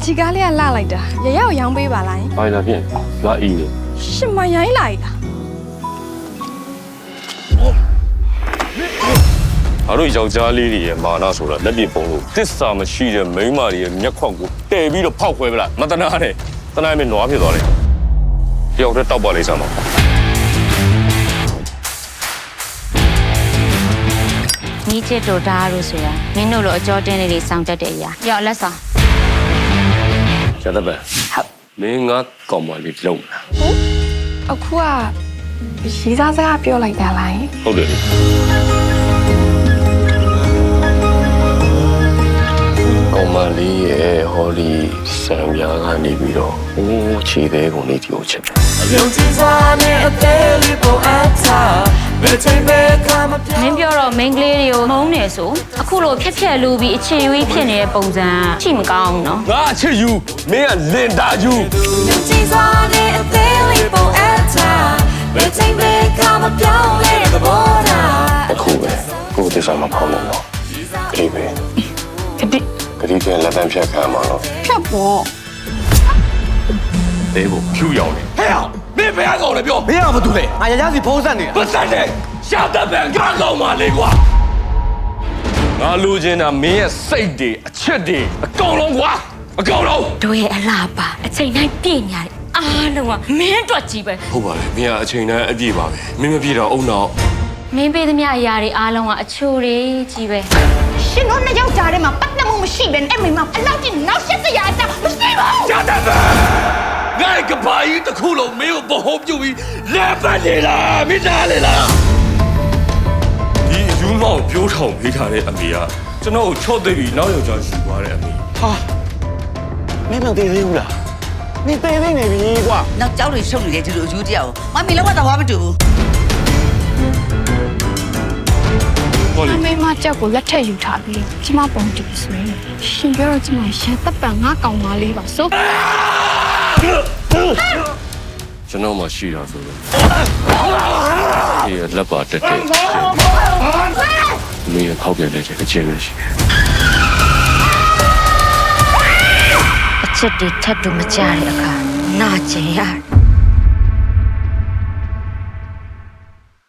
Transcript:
ဒီကားလေးကလှလိုက်တာရရကိုရောင်းပေးပါလားဘာလာပြင်လာအီးလေရှင်မရိုင်းလာတာအားတို့ယောက်ျားလေးတွေရဲ့မာနဆိုတာလက်ပြပုံလို့တစ္ဆာမရှိတဲ့မိန်းမတွေရဲ့မျက်ခွက်ကိုတည်ပြီးတော့ဖောက်ခွဲပလားမတနာနဲ့တနာနဲ့နွားဖြစ်သွားတယ်တယောက်တည်းတောက်ပါလိမ့်စမ်းပါညီချစ်တို့ဒါလို့ဆိုတာမင်းတို့လိုအကြောတင်းလေးတွေစောင့်တတ်တဲ့အရာရောက်လက်ဆောင်ရတပန်ဟုတ်မင်းငါကောင်မလေးလုံးလားအခုကရီးစားစကားပြောလိုက်တာလားဟုတ်တယ်ကောင်မလေးရဲ့ဟောဒီဆံပြားကနေပြီးတော့အိုးခြေသေးကုန်လေးဒီကိုချက်တယ်မင်းပြောတော့ main ကလေးတွေကိုမုန်းနေဆိုအခုလိုဖြက်ဖြက်လူပြီးအချစ်ရွေးဖြစ်နေတဲ့ပုံစံချိမကောင်းဘူးနော်ငါအချစ်ယူမင်းကလင်တာယူအခုပဲကိုယ်တစ္ဆာမဖောင်းလို့တော့ခရီးပဲခရီးကလက်တန်းဖြတ်ခံမှာတော့ဖြတ်ပေါ့သေးဖို့ဖြူရောက်နေဟဲ့အောင်မင်းဘယ်ကောင်လဲပြောမင်းကဘာတူလဲငါရရစီဖုံးဆက်နေတာပတ်သက်တယ်ရှာတတ်ပံငါကောင်မလေးကွာငါလူချင်းတာမင်းရဲ့စိတ်တွေအချစ်တွေအကုန်လုံးကွာအကုန်လုံးတို့ရဲ့အလားပါအချိန်တိုင်းပြည့်ညာတယ်အားလုံးကမင်းအတွက်ကြီးပဲဟုတ်ပါလေမင်းကအချိန်တိုင်းအပြည့်ပါပဲမင်းမပြည့်တော့အုံနောက်မင်းပေးသမျှအရာတွေအားလုံးကအချိုတွေကြီးပဲရှင်တို့နှစ်ယောက်ကြားထဲမှာပတ်သက်မှုမရှိဘဲနဲ့အဲ့မိမအလောက်ကြီးနောက်ဆက်စရာအကြောင်းမရှိပါဘူးရှာတတ်ပါငါကဘာကြီးတစ်ခုလုံးမင်းကိုဘဟုံးပြုတ်ပြီးလက်ပတ်နေလားမင်းသားလေလားဒီယူမောင်ပြိုးထောင်ပေးထားတဲ့အမေကကျွန်တော်ကိုချော့သိပြီးနောက်ယောက်ျားယူသွားတဲ့အမေဟာမင်းမသေးသေးဘူးလားမင်းသေးသေးနေပြီကွာနောက်ကြောက်တွေရှုပ်နေတဲ့ဒီလိုအယူတရားကိုမမီလောက်တော့မတူဘူးဟောလေအမေမကြောက်ကိုလက်ထက်ယူထားပြီးကျမပုံတူဆွေးရှင်ပြောတော့ကျမရတပ်ပံငါကောင်မလေးပါဆိုကျွန်တော်မှရှိတာဆိုတော့ဒီလက်ပါတက်တဲ့မင်းရဲ့ခောက်ပြန်တဲ့ချက်အချင်းပဲရှိတယ်အချစ်တွေထပ်တူမကြတဲ့အခါနာကျင်ရတယ်